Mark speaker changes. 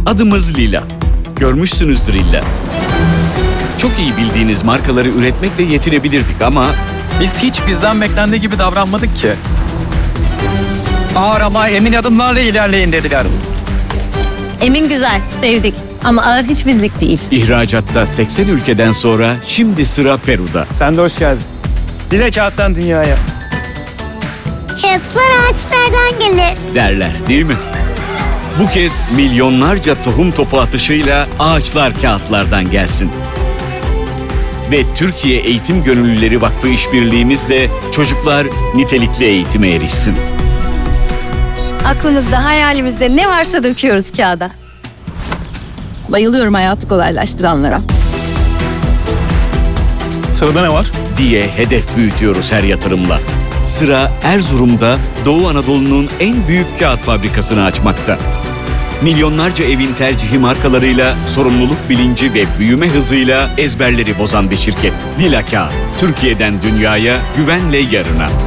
Speaker 1: Adımız Lila. Görmüşsünüzdür illa. Çok iyi bildiğiniz markaları üretmekle yetinebilirdik ama
Speaker 2: Biz hiç bizden beklendiği gibi davranmadık ki. Ağır ama emin adımlarla ilerleyin dediler.
Speaker 3: Emin güzel, sevdik. Ama ağır hiç bizlik değil.
Speaker 1: ihracatta 80 ülkeden sonra şimdi sıra Peru'da.
Speaker 2: Sen de hoş geldin. Bir de kağıttan dünyaya.
Speaker 4: Kağıtlar ağaçlardan gelir.
Speaker 1: Derler değil mi? Bu kez milyonlarca tohum topu atışıyla ağaçlar kağıtlardan gelsin. Ve Türkiye Eğitim Gönüllüleri Vakfı işbirliğimizle çocuklar nitelikli eğitime erişsin.
Speaker 3: Aklımızda, hayalimizde ne varsa döküyoruz kağıda.
Speaker 5: Bayılıyorum hayatı kolaylaştıranlara.
Speaker 2: Sırada ne var?
Speaker 1: Diye hedef büyütüyoruz her yatırımla. Sıra Erzurum'da Doğu Anadolu'nun en büyük kağıt fabrikasını açmakta. Milyonlarca evin tercihi markalarıyla, sorumluluk bilinci ve büyüme hızıyla ezberleri bozan bir şirket. Lila Kağıt, Türkiye'den dünyaya, güvenle yarına.